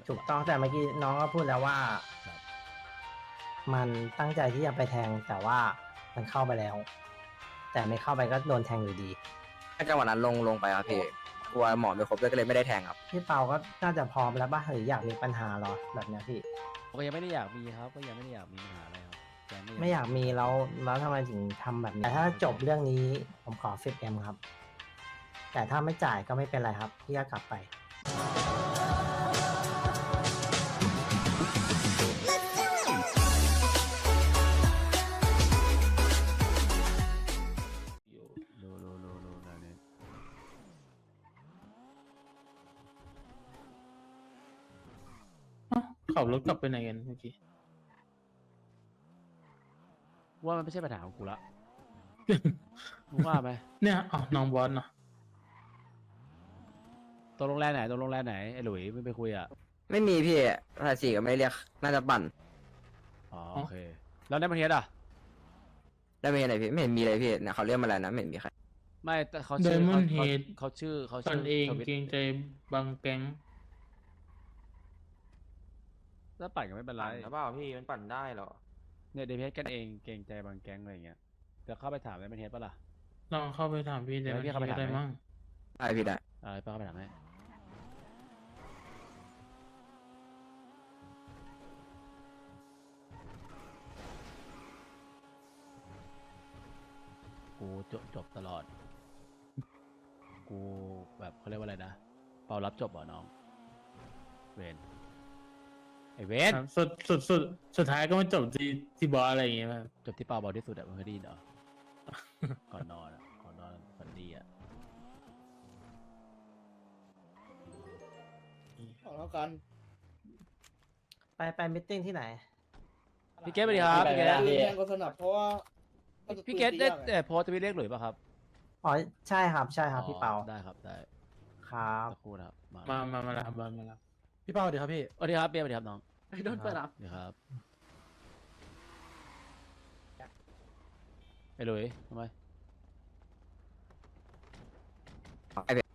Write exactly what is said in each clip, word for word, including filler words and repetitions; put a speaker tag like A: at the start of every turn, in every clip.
A: ถูกต้องแต่เมื่อกี้น้องก็พูดแล้วว่า
B: ครับ
A: มันตั้งใจที่จะไปแทงแต่ว่ามันเข้าไปแล้ว แต่ไม่เข้าไปก็โดนแทงอยู่ดี
C: ถ้าจังหวะนั้นลงลงไปครับพี่กลัวหมอไม่ครบด้วยก็เลยไม่ได้แทงครับ
A: พี่เปาก็น่าจะพร้อมแล้วป่ะหรืออยากมีปัญหาเหรอแบบเนี้ยพี่
B: ก็ยังไม่ได้อยากมีครับก็ยังไม่ได้อยากมีปัญหาอะไรครับแกง
A: ไม่อยากมีแล้วแล้วทำไมถึงทำแบบนี้แต่ถ้าจบเรื่องนี้ผมขอ สิบเอ็ม ครับ แต่ถ้าไม่จ่ายก็ไม่เป็นไรครับพี่ก็กลับไป
B: อยู่ดูดูดูดูแล้วเนี่ย
D: ขับรถกลับไปไหนกันเมื่อกี้
B: ว่ามันไม่ใช่ปัญหาของกูละ มึงว่าไหม
D: เนี่ยอ๋อน้องบอสเนาะ
B: ตกลงแรกไหนตกลงแรกไหนไอ้หลุยไม่ไปคุยอ่ะ
C: ไม่มีพี่ภาษีก็ไม่ได้เรียกน่าจะปั่น
B: อ๋อโอเคแล้วในประเทศอ่ะ
C: ได้ไม่เห็นไหนพี่ไม่เห็นมีเลยพี่เนี่ยเขาเรียกมาแล้วนะไม่เห็นมีใคร
B: ไม่แต่เขา
D: ได
B: ชื่อ
D: มอ
B: เขา
D: นด์เฮ
B: เขา
D: ด
B: เขาชื่อเขา
D: ตอ
B: ชื่
D: นเอง
B: ทวิต
D: เกรงใจบางแก๊ง
B: แล้วปั่นก็ไม่เป็นไร
E: ปั่นหรือเปล่าพี่มันปั่นได้เหรอ
B: เนี่ยเดเพสกันเองเกรงใจบางแก๊งอะไรอย่างเงี้ยจะเข้าไปถามในประเทศปะล่ะ
D: ลองเข้าไปถามพี่เด
B: เดี๋ยว
D: มัน
B: พี่เข้าไป
D: เฮด
B: ถาม
D: ได้
B: ไหม
D: มั่ง
C: ได้พี่ได้
B: อ่าไปเข้าไปถามให้กูจบจบตลอด กูแบบเขาเรียกว่าอะไรนะเปารับจบเหรอน้องเวนไอเวน
D: ครับสุดสุดสุดสุดท้ายก็มาจบที่ที่บอสอะไรอย่างเงี้ยครับ
B: จบที่เปาเบาที่สุดอะมึงเคยได้ยินเหรอ ก่อนนอนอะก่อนนอนฝันดีอะ
F: เอาแล้วกัน
A: ไปไปมิทติ้งที่ไหน
B: พี่เกตสวัสดีครับพี่เกต
F: คือแทงก็สนับเพราะว่าน่าจะ
B: พี่เกตได้
F: ปืนตี
B: แต่
F: ยากอะ
B: โพสต์ทวิตเรียกหลุยป่ะครับ
A: อ๋อใช่ครับใช่ครับพี่เปา
B: อ๋อได้ครับได้
A: ครับ
B: สักครู่นะครับมา
D: มามามาแล้วบอสมาแล้ว
G: พี่เป้าดีครับพี่
B: สวัสดีครับเปียสวัสดีครับน้อง
G: โดนเปิดรับ
B: สวัสดีครับไอ้หลุยทำไม
C: ไอ้พี่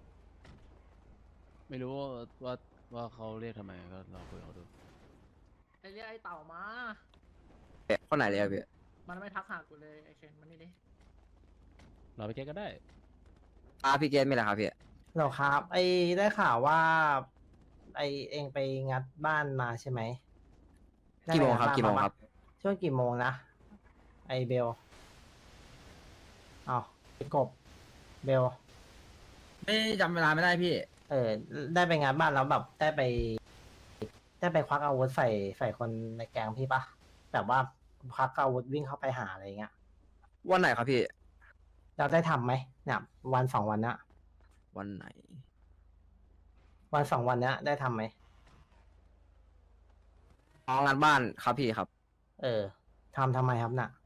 B: ไม่รู้ว่าว่าว่าเขาเรียกทำไมก็ลองคุยกับเขาดู
G: ไอเรียกไอเต่ามา
C: คนไหนเลยอะพี่
G: มันไม่ทักหากูเลยไอเคนมันนี่ดิ
B: เราไปเกตก็ได้
C: อาพี่เกตไม่ละครับพี่
A: เหรอครับ ไอได้ข่าวว่า ไอเองไปงัดบ้านมาใช่ไหมได้
C: กี่
A: ไป
C: โมง
A: งัด
C: ครับ
A: บ้าน
C: กี่โมง
A: าปะ
C: ครับ
A: ช่วงกี่โมงนะ ไอเบลอ้าวไอกบเบล
C: ไม่จำเวลาไม่ได้พี่
A: เออ ได้ไปงานบ้านแล้วแบบได้ไป ได้ไปควักอาวุธใส่ใส่คนในแกงพี่ปะแบบว่าควักอาวุธวิ่งเข้าไปหาอะไรเงี้ย
C: วันไหนครับพี่
A: เราได้ทำไหมเนี่ยวันสองวันเนี้ย
C: วันไหน
A: วันสองวันเนี้ยได้ทำไหม
C: อ๋องานบ้านครับพี่ครับ
A: เออทำทำไมครับน่ะ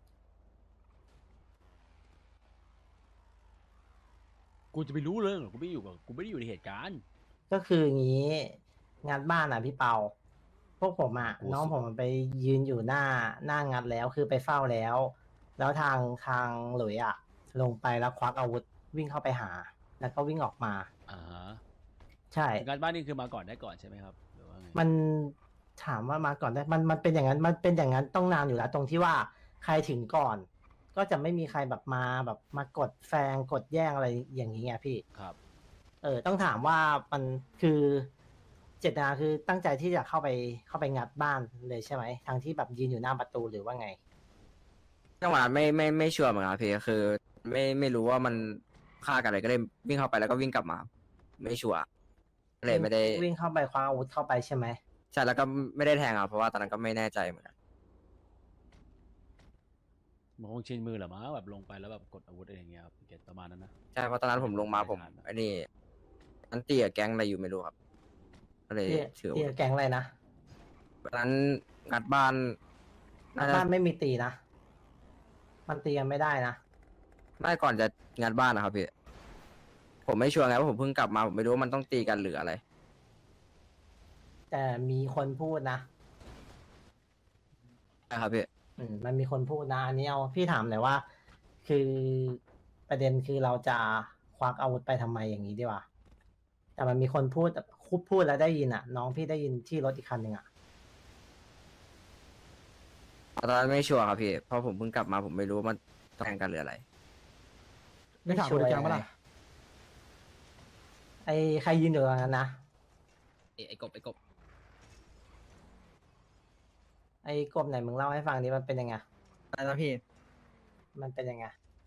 B: กูจะไปรู้เรื่องเหรอกูไม่อยู่กับกูไม่ได้อยู่ในเหตุการณ์
A: ก็คืออย่างนี้งานบ้านอ่ะพี่เปา พวกผมอ่ะ
B: โอ้
A: น้องผมมันไปยืนอยู่หน้าหน้างานแล้วคือไปเฝ้าแล้ว แล้วทางทางหลุยอ่ะ ลงไปแล้วควักอาวุธวิ่งเข้าไปหา แล้วก็วิ่งออกมา
B: อ่าฮะ
A: ใช่
B: การบ้านนี่คือมาก่อนได้ก่อนใช่ไหมครับหรือว่าไง
A: มันถามว่ามาก่อนได้มันมันเป็นอย่างนั้นมันเป็นอย่างนั้นต้องนานอยู่แล้ว ตรงที่ว่าใครถึงก่อน ก็จะไม่มีใครแบบมาแบบมากดแซงกดแย่งอะไรอย่างนี้ไงพี่
B: ครับ
A: เออต้องถามว่ามันคือเจตนาคือตั้งใจที่จะเข้าไปเข้าไปงัดบ้านเลยใช่ไหมทางที่แบบยืนอยู่หน้าประตูหรือว่าไง
C: จังหวะนั้นไม่ไม่ไม่ชัวร์เหมือนกันครับพี่คือ ไม่ไม่รู้ว่ามันฆ่ากันอะไรก็เลยวิ่งเข้าไปแล้วก็วิ่งกลับมา ไม่ชัวร์ก็เลยไม่ได้
A: วิ่งเข้าไปคว้าอาวุธเข้าไปใช่ไหม
C: ใช่แล้วก็ไม่ได้แทงอ่ะเพราะว่าตอนนั้นก็ไม่แน่ใจเหมือนกัน
B: มันคงชินมือเหรอมั้งแบบลงไปแล้วแบบกดอาวุธอะไรอย่างเงี้ยครับพี่เกตประมาณนั้นนะ
C: ใช่เพราะตอนนั้นผมลงมาผมไอ้นี่อันตีกับแก๊งอะไรอยู่ไม่รู้ครับ ก็เลย
A: ที่
C: ถือ
A: ที่
C: ว่า
A: แก๊งอะไรนะ
C: ตอนนั้นงัดบ้านน่าจะ
A: บ้านไม่มีตีนะ มันตีกันไม่ได้นะ
C: น่าจะก่อนจะงัดบ้านนะครับพี่ผมไม่ชัวร์ไงว่าผมเพิ่งกลับมาผมไม่รู้ว่ามันต้องตีกันหรืออะไร
A: แต่มีคนพูดนะ
C: นะครับพี่
A: อืมมันมีคนพูดนะอันนี้เอาพี่ถามหน่อยว่า คือประเด็นคือเราจะควักอาวุธไปทำไมอย่างนี้ดีกว่าแต่มันมีคนพูดพูดพูดแล้วได้ยินอ่ะ น้องพี่ได้ยินที่รถอีกคันหนึ่งอ่ะ
C: ตอนนั้นไม่ชัวร์ครับพี่เพราะผมเพิ่งกลับมาผมไม่รู้ว่ามันแทงกันหรืออะไร
A: ไม่ถามคนในแก๊งปะล่ะ ไอใครยืนอยู่ตรงนั้นนะ
C: ไอ้กบไอ้กบ
A: ไอกบไหนมึงเล่าให้ฟังดิมันเป็นยังไง
E: อะไรนะพี่
A: มันเป็นยังไง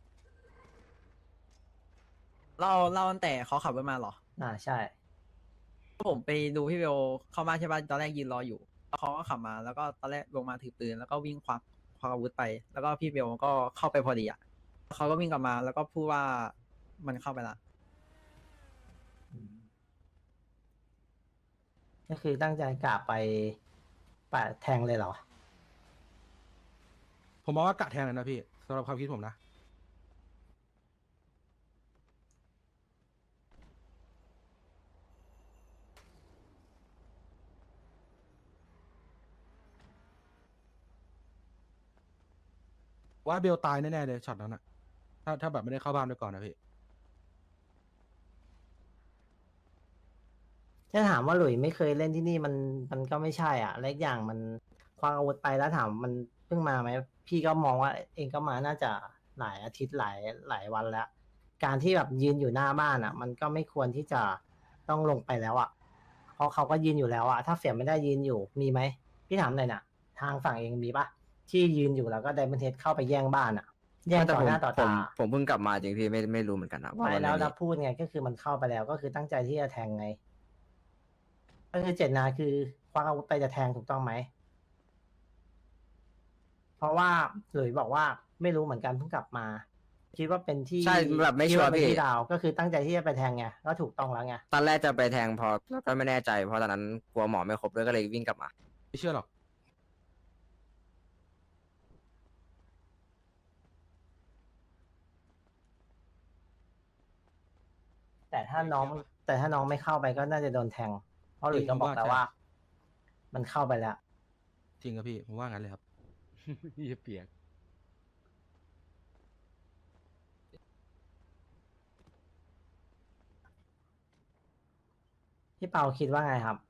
E: เล่าเล่าตั้งแต่เขาขับรถมาเหรอ
A: อ่าใช่
E: ผมไปดูพี่เบลเข้ามาใช่ป่ะตอนแรกยืนรออยู่แล้วเขาก็ขับมาแล้วก็ตอนแรกลงมาถือปืนแล้วก็วิ่งควักควักอาวุธไป แล้วก็พี่เบลก็เข้าไปพอดีอ่ะเขาก็วิ่งกลับมาแล้วก็พูดว่ามันเข้าไปละ
A: ก็คือตั้งใจกะไปปะแทงเลยเหรอ
H: ผมมองว่ากะแทงเลยนะพี่สำหรับความคิดผมนะ ว่าเบลตายแน่ๆเลยช็อตนั้นอะถ้าถ้าแบบไม่ได้เข้าบ้านด้วยก่อนนะพี่
A: ถ้าถามว่าหลุยไม่เคยเล่นที่นี่มันมันก็ไม่ใช่อ่ะและอีกอย่างมันคว้าอาวุธไปแล้วถามมันเพิ่งมาไหมพี่ก็มองว่าเองก็มาน่าจะหลายอาทิตย์หลายหลายวันแล้ว การที่แบบยืนอยู่หน้าบ้านอ่ะ มันก็ไม่ควรที่จะต้องลงไปแล้วอ่ะเพราะเขาก็ยืนอยู่แล้วอ่ะถ้าเสียไม่ได้ยืนอยู่มีไหมพี่ถามหน่อยน่ะ ทางฝั่งเองมีปะที่ยืนอยู่แล้วก็ไดมอนเทสเข้าไปแย่งบ้านอ่ะ แย่ง
C: แต่
A: ต่อ
C: ผม
A: หน้าต่อ
C: ผม
A: ตา
C: ผมเพิ่งกลับมาจริงพี่ไม่ไม่รู้เหมือนกันนะว่า
A: ไม่
C: มัน
A: แล้ว
C: ไม่
A: เรา
C: มี
A: พูดไงก็คือมันเข้าไปแล้วก็คือตั้งใจที่จะแทงไง ก็คือเจตนาคือคว้าอาวุธไปจะแทงถูกต้องไหม เพราะว่าหลุยบอกว่าไม่รู้เหมือนกันเพิ่งกลับมา คิดว่าเป็นที่
C: ใช่แบบไม่
A: คิด
C: ชัวร์
A: เป็น
C: พี่
A: ที่ดาว ก็คือตั้งใจที่จะไปแทงไงก็ถูกต้องแล้วไง
C: ตอนแรกจะไปแทงพอแล้วก็ไม่แน่ใจเพราะตอนนั้นกลัวหมอไม่ครบด้วยก็เลยวิ่งกลับมา
H: ไม่เชื่อหรอก
A: แต่ถ้าน้อง แต่ถ้าน้องไม่เข้าไปก็น่าจะโดนแทง เพราะหลุยก็บอกแล้วว่า มันเข้าไปแล้ว
H: จริงครับพี่ ผมว่างั้นเลยครับ
B: ยี่เปียก
A: พี่เปาคิดว่าไงครับ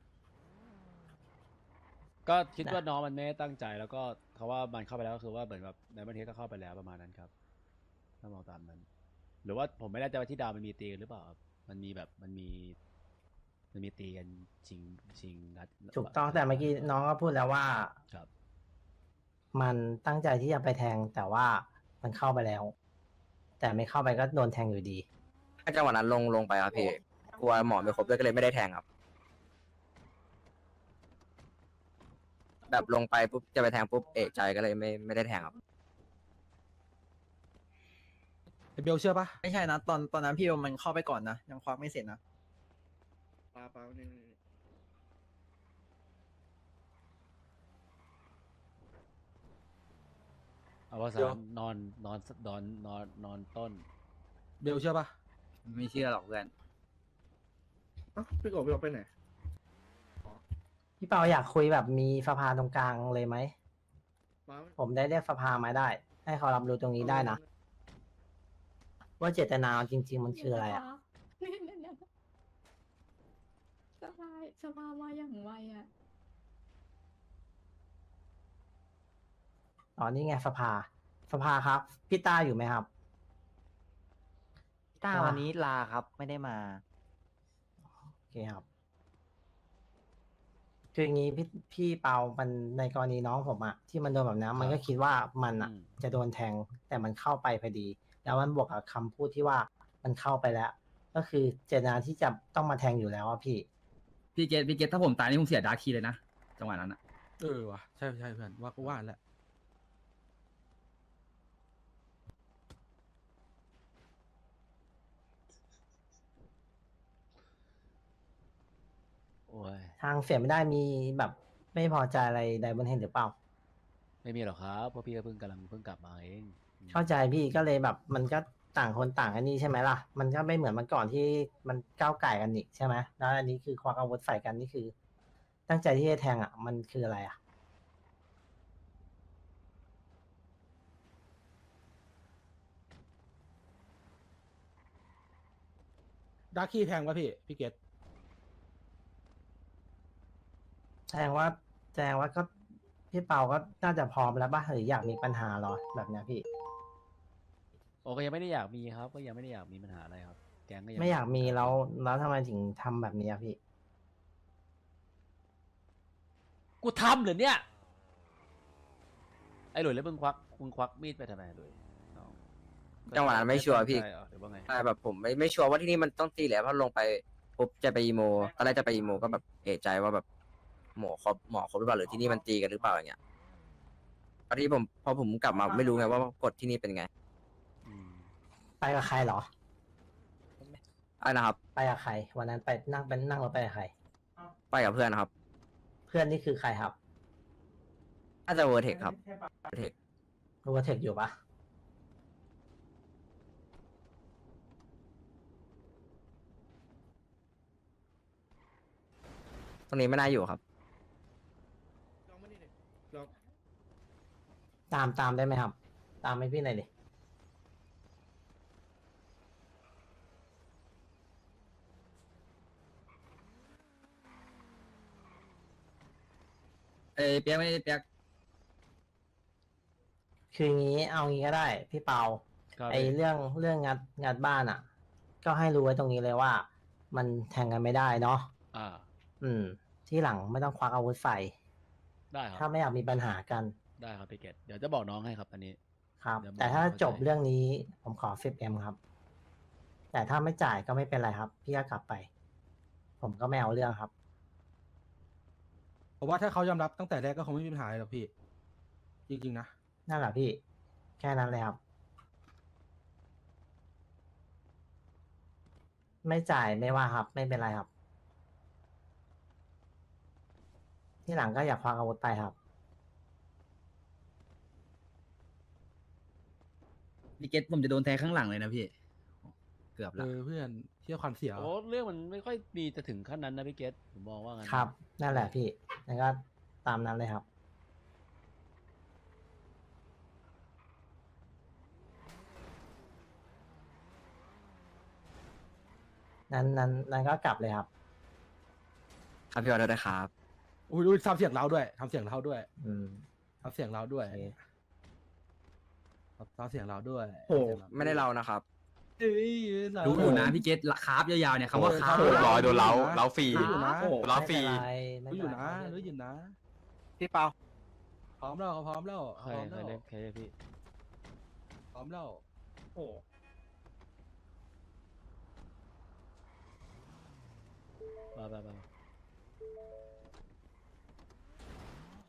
B: ก็คิดว่าน้องมันไม่ได้ตั้งใจแล้วก็เขาว่ามันเข้าไปแล้วก็คือว่าเหมือนแบบในประเทศก็เข้าไปแล้วประมาณนั้นครับถ้ามองตามนั้น หรือว่าผมไม่แน่ใจว่าที่ดาวมันมีตีกันหรือเปล่าครับมันมีแบบมันมี มันมีตีกันชิงชิงนัด
A: ถูกต้องแต่เมื่อกี้น้องก็พูดแล้วว่า
B: ครับ
A: มันตั้งใจที่จะไปแทงแต่ว่ามันเข้าไปแล้ว แต่ไม่เข้าไปก็โดนแทงอยู่ดี
C: ถ้าจังหวะนั้นลงลงไปครับพี่กลัวหมอไม่ครบด้วยก็เลยไม่ได้แทงครับ แบบลงไปปุ๊บจะไปแทงปุ๊บเอะใจก็เลยไม่ไม่ได้แทงครับ
H: ไอเบลเชื่อปะ
E: ไม่ใช่นะตอนตอนนั้นพี่เบลมันเข้าไปก่อนนะยังควักไม่เสร็จนะ
F: ปลาปลาเนี่ย
B: เอาว่าสามนอนนอนนอนนอนนอนต้น
H: เบลเชื่อปะ
C: ไม่เชื่อหรอกเพื่อน
F: เอ้าพี่กบพี่กบไปไหน
A: พี่เปาอยากคุยแบบมีสภาตรงกลางเลยไหม
F: ปลา
A: ผมได้เรียกสภามาได้ ให้เขารับรู้ตรงนี้ได้นะ ว่าเจตนาจริง ๆ มันคืออะไรอ่ะ
I: เนี่ยเนี่ยเนี่ยสภาสภามาอย่างไวอ่ะ
A: อ๋อนี่ไงสภา สภาครับ พี่ต้าอยู่ไหมครับ
J: ต้า
A: อ่า
J: วันนี้ลาครับ ไม่ได้มา
A: โอเคครับ คืออย่างนี้พี่พี่เปามันในกรณีน้องผมอะที่มันโดนแบบนั้นมันก็คิดว่ามันอะ
B: อืม
A: จะโดนแทง แต่มันเข้าไปพอดี แล้วมันบวกกับคำพูดที่ว่ามันเข้าไปแล้ว ก็คือเจตนาที่จะต้องมาแทงอยู่แล้วอะพี่
K: พี่เกตพี่เกตถ้าผมตายนี่ผมเสียดาร์คคีย์เลยนะ จังหวะนั้นอะ
H: เออว่ะใช่ใช่เพื่อนว่าก็ว่าแหละ
B: โอ้ย
A: ทางเสียไม่ได้มีแบบไม่พอใจอะไรใดบนเห็นหรือเปล่า
B: ไม่มีหรอกครับเพราะพี่ก็เพิ่งกำลังเพิ่งกลับมาเองอืม
A: เข้าใจพี่ก็เลยแบบมันก็ต่างคนต่างอันนี้ใช่ไหมล่ะ มันก็ไม่เหมือนเมื่อก่อนที่มันก้าวไก่กันอีกใช่ไหมแล้วอันนี้คือควักอาวุธใส่กันนี่คือ ตั้งใจที่จะแทงอ่ะ มันคืออะไรอ่ะ
H: ดาร์คีแทงปะพี่ พี่เกต
A: แสดงว่าแสดงว่าก็พี่เปาก็น่าจะพร้อมแล้วป่ะหรืออยากมีปัญหาเหรอแบบเนี้ยพี่
B: โอเคยังไม่ได้อยากมีครับ ก็ยังไม่ได้อยากมีปัญหาอะไรครับ แก๊งก็ยัง
A: ไม่อยากมีแล้วแล้วทำไมถึงทำแบบนี้อะพี่
B: กูทำเหรอเนี่ย ไอ้หลุยแล้วมึงควักมึงควักมีดไปทำไมหลุยน้อง
C: จังหวะนั้นไม่ชัวร์พี่
B: ใช่เหรอหรือว่าไง
C: ใช่แบบผมไม่ไม่ชัวร์ว่าที่นี่มันต้องตีแหละเพราะลงไปปุ๊บจะไปอีโมตอนแรกจะไปอีโมก็แบบเอะใจว่าแบบหมอครบหมอครบหรือเปล่าหรือที่นี่มันตีกันหรือเปล่าอย่างเงี้ยตอนที่ผมพอผมกลับมาไม่รู้ไงว่ากฎที่นี่เป็นไง
B: อืม
A: ไปกับใครเหรอ
C: อ่ะนะครับ
A: ไปกับใครวันนั้นไปนั่งเป็นนั่งรถไปกับใคร
C: ไปกับเพื่อนนะครับ
A: เพื่อนนี่คือใครครับ
C: น่าจะเวอร์เทคครับเวอร์เทค
A: รู้ว่าเทคอยู่ปะ
C: ตรงนี้ไม่น่าอยู่ครับ
F: ลองมานี่ดิลอง
A: ตามตามได้ไหมครับ ตามให้พี่หน่อยดิ
K: เอ้ยเปียกไม่ได้เปียก
A: คืองี้เอางี้ก็ได้พี่เปา
B: ครับ
A: ไอเรื่องเรื่องงัดงัดบ้านอ่ะ ก็ให้รู้ไว้ตรงนี้เลยว่า มันแทงกันไม่ได้เนาะ
B: อ่า
A: อืม ที่หลังไม่ต้องควักอาวุธใส่
B: ได้ค
A: ถ้า
B: รับ
A: ไม่อยากมีปัญหากัน
B: ได้ครับพี่เกตเดี๋ยวจะบอกน้องให้ครับอันนี้
A: ครับ
B: เดี๋ยว
A: แต่ถ้า
B: เข้าใจ
A: จบเรื่องนี้ผมขอ สิบเอ็ม ครับ แต่ถ้าไม่จ่ายก็ไม่เป็นไรครับ พี่ก็กลับไป ผมก็ไม่เอาเรื่องครับ
H: เพราะว่าถ้าเขายอมรับตั้งแต่แรกก็คงไม่มีปัญหาอะไรหรอกพี่ จริงๆนะ
A: นั่นแหละพี่ แค่นั้นเลยครับ ไม่จ่ายไม่ว่าครับ ไม่เป็นไรครับ ที่หลังก็อย่าควักอาวุธไปครับ
K: พี่เกตผมจะโดนแทงข้างหลังเลยนะพี่ เกือบ
H: เอ
K: ละ
H: อเพื่อนเที่ยวควันเสียว
B: โอ้เรื่องมันไม่ค่อยมีจะถึงขั้นนั้นนะพี่เกตผมมองว่างั้น
A: ครับ นั่นแหละพี่แล้วก็ตามนั้นเลยครับ นั้นนั้นนั้นก็กลับเลยครับ
C: ครับพี่ออเดอร์ได้ครับ
H: อุ้ยอุ้ยทำเสียงเราด้วยทำเสียงเราด้วย
A: อืม
H: ทำเสียงเราด้วย
A: โอเค
H: ครับทำเสียงเราด้วย
C: โอ้ไม่ได้เรานะครับ
H: เอ้ยเรา
K: รู้อยู่นะพี่เกตคาร์ฟยาวๆเนี่ยคำว่าคาร์ฟ
H: โอ้โห
K: ยาวๆ
H: ร้อยโดนเล้า
C: เล้าฟรี
H: รู้อยู่นะ
C: เล้าฟรี
A: ไม่
H: รู้
A: เป็นไรไม่
H: อยู่
A: เป็นไร
H: นะรู้อยู่นะ
E: พี่เปา
H: พร้อมแล้วเขาพร้อมแล้ว
B: ใคร
H: พร้อม
B: ใคร
H: แล้ว
B: เรียกใครเรียกพี่
H: พร้อมแล้ว
F: โอ้
B: มาไปไป
F: โห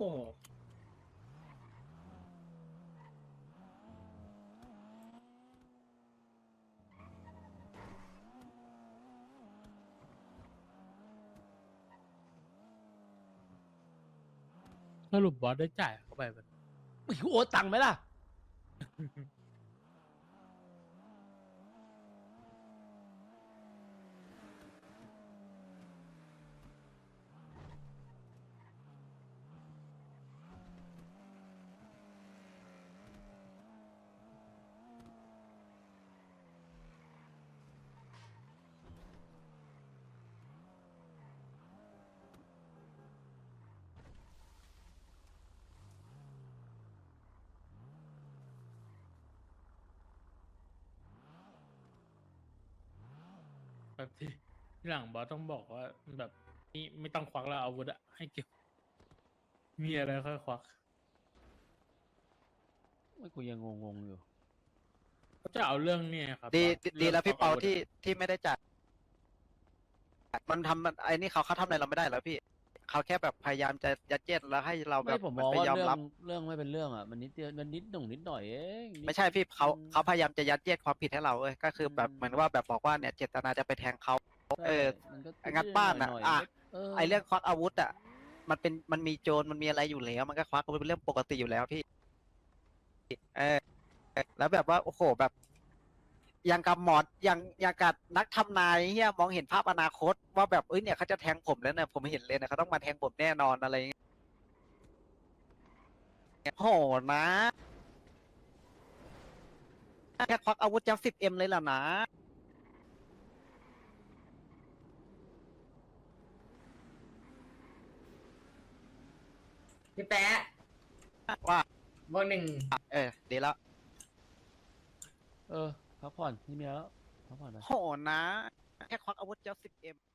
D: สรุปบอสได้จ่ายเข้าไปมัน
B: ไม่โอนตังค์ไหมล่ะ
D: แบบที่ที่หลังบอสต้องบอกว่าแบบนี่ไม่ต้องควักแล้วอาวุธอะให้เก็บ มีอะไรค่อยควัก
B: ไม่กูยังงงๆอยู่
D: จะเอาเรื่องเนี่ยครับ
E: ดี
D: บอส
E: ดีแล้ว
D: รื่อง
E: พี่เปา
D: ควักอวุธอะ
E: ที่ที่ไม่ได้จ่ายมันทำมันไอ้นี่เขาเขาทำอะไรเราไม่ได้แล้วพี่เขาแค่แบบพยายามจะยัดเยียดแล้วให้เราแบ
B: ไม่
E: บ
B: ผม
E: เห
B: ม
E: น
B: อง
E: ไป
B: ว่าย
E: อม
B: เรื่อ
E: รับ
B: งเรื่องไม่เป็นเรื่องอ่ะมันนิดเดียวมันนิดหน่งนิดหน่อยเองนิด
E: ไม่ใช่พี่เขา
B: อืม
E: เขาพยายามจะยัดเยียดความผิดให้เราเอ้ยก็คือแบบ
B: อืม
E: เหมือนว่าแบบบอกว่าเนี่ยเจตนาจะไปแทงเขา
B: ใช่
E: เออ
B: มันก็
E: งัดบ้านอะ
B: หยๆ
E: อ่ะ
B: เออ
E: ไอเรื่องควักอาวุธอ่ะมันเป็นมันมีโจรมันมีอะไรอยู่แล้ว มันก็ควักอาวุธเป็นเรื่องปกติอยู่แล้วพี่เออแล้วแบบว่าโอ้โหแบบอย่างกับหมออย่างอย่างกับนักทำนายเฮียมองเห็นภาพอนาคต ว่าแบบเอ้ยเนี่ยเขาจะแทงผมแล้วเนี่ยผมเห็นเลยนะเขาต้องมาแทงผมแน่นอนอะไรอย่างเงี้ยโหนะแค่ควักอาวุธจะสิบเอ็มเลยล่ะนะ
J: พี่แป๊ะ
F: ว่า
J: บวกหนึ่ง
F: เออดีแล้ว
B: เออพักผ่อนนี่มีแล้วพักผ่อนไป
F: โหนะ แค่ควักอาวุธเจ้าสิบเอ็ม